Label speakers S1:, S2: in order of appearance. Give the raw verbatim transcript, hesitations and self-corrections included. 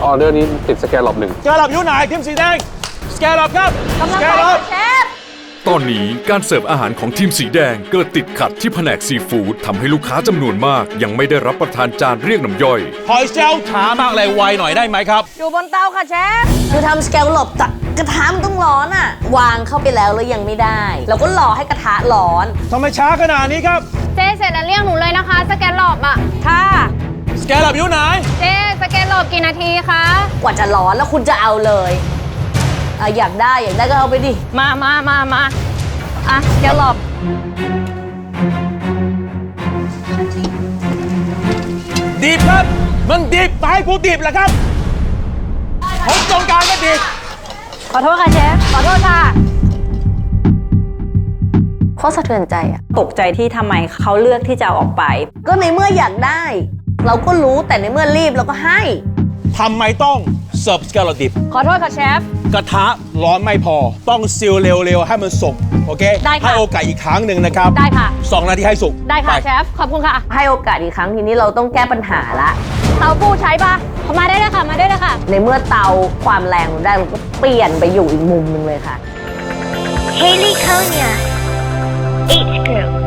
S1: ออเดอร์นี้ติดสแกนหลบหนึ่ง
S2: สแกนหลบอยู่ไหนทีมสีแดงสแกนหลบครับ
S3: กำลั
S2: ส
S3: ง
S2: แก
S3: ไป
S2: นหลบ
S3: เชฟ
S4: ตอนนี้การเสิร์ฟอาหารของทีมสีแดงเกิดติดขัดที่แผนกซีฟู้ดทำให้ลูกค้าจำนวนมากยังไม่ได้รับประทานจานเรียกน้ำย่อย
S2: หอยเชลล์ช้ามากเลยไวหน่อยได้ไหมครับ
S3: อยู่บนเตาค่ะเชฟคือทำสแกลหลบจากกระทะมันต้องร้อนอ่ะ วางเข้าไปแล้วแล้วยังไม่ได้ เราก็รอให้กระทะร้อน
S2: ทำไมช้าขนาดนี้ครับ
S5: เจ๊เสร็จแล้วเรียกหนูเลยนะคะ สแกนหลบอ่ะ
S3: ค่ะ
S2: สแกนหลบอยู่ไหน
S5: เจ๊สแกนหลบกี่นาทีคะ
S3: กว่าจะร้อนแล้วคุณจะเอาเลยอ่ะอยากได้อยากได้ก็เอาไปดิ
S5: มามามามาอ่ะสแกนหลบ
S2: ดิบครับ มันดิบไปให้กูดิบแหละครับผมตรงกลางก็ดิบ
S5: ขอโทษค่ะเชฟ ขอโทษค่ะ
S3: โคตรสะเทือนใจอ่ะ
S6: ตกใจที่ทำไมเขาเลือกที่จะเอาออกไป
S3: ก็ในเมื่ออยากได้ เราก็รู้แต่ในเมื่อรีบเราก็ให้
S2: ทำไมต้องเสิร์ฟสแกนหลบดิบ
S5: ขอโทษค่ะเชฟ
S2: กระทะร้อนไม่พอ ต้องซีลเร็วๆ ให้มันสุก โอเค
S5: ได้ค่ะ
S2: ให้โอกาสอีกครั้งหนึ่งนะครับ
S5: ได้ค่ะ
S2: สองนาทีให้สุก
S5: ได้ค่ะ
S2: ป
S5: เชฟ ขอบคุณค่ะ
S3: ให้โอกาสอีกครั้งทีนี้เราต้องแก้ปัญหาละ
S5: เตาปูใช้ปะเข้ามาได้เลยค่ะ มาได้เลยค่ะ
S3: ในเมื่อเตาความแรงเราได้เราก็เปลี่ยนไปอยู่อีกมุมหนึงเลยค่ะ
S7: Haley Konya, H group.